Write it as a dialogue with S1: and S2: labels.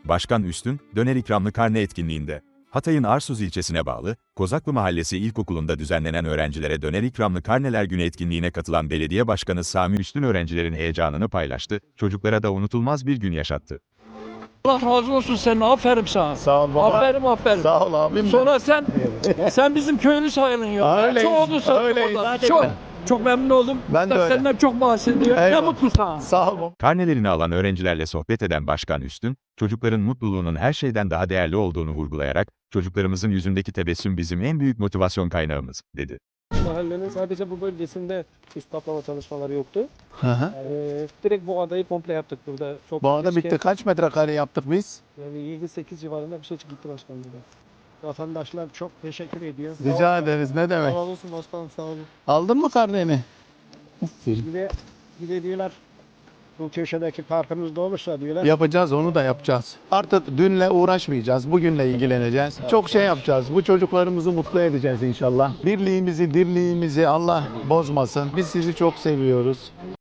S1: Başkan Üstün, döner ikramlı karne etkinliğinde, Hatay'ın Arsuz ilçesine bağlı, Kozaklı Mahallesi İlkokulu'nda düzenlenen öğrencilere döner ikramlı karneler günü etkinliğine katılan belediye başkanı Sami Üstün öğrencilerin heyecanını paylaştı, çocuklara da unutulmaz bir gün yaşattı.
S2: Allah razı olsun senin, aferin sana.
S3: Sağ ol baba.
S2: Aferin.
S3: Sağ ol abim.
S2: Sonra sen bizim köylü sayılın ya.
S3: Öyleyiz,
S2: Çok oldu sana.
S3: öyleyiz.
S2: Çok memnun oldum.
S3: Ben de öyle.
S2: Senden çok bahsediyor. Ne
S3: Eyvallah.
S2: mutlu sana.
S3: Sağ ol baba.
S1: Karnelerini alan öğrencilerle sohbet eden Başkan Üstün, çocukların mutluluğunun her şeyden daha değerli olduğunu vurgulayarak, çocuklarımızın yüzündeki tebessüm bizim en büyük motivasyon kaynağımız, dedi.
S4: Mahallenin sadece bu bölgesinde istahlama çalışmaları yoktu.
S3: Hı hı.
S4: Direkt bu adayı komple yaptık burada. Çok
S3: Bu arada
S4: keşke-
S3: bitti. Kaç metrekare yaptık biz?
S4: Yani 7-8 civarında bir şey gitti başkanım burada. Vatandaşlar çok teşekkür ediyor.
S3: Rica ederiz. Ne demek?
S4: Sağ olsun başkanım, sağ olun.
S3: Aldın mı karneni?
S4: Bir de diyorlar bu köşedeki parkımızda olursa diyorlar.
S3: Yapacağız, onu da yapacağız. Artık dünle uğraşmayacağız, bugünle ilgileneceğiz. Çok şey yapacağız, bu çocuklarımızı mutlu edeceğiz inşallah. Birliğimizi, dirliğimizi Allah bozmasın. Biz sizi çok seviyoruz.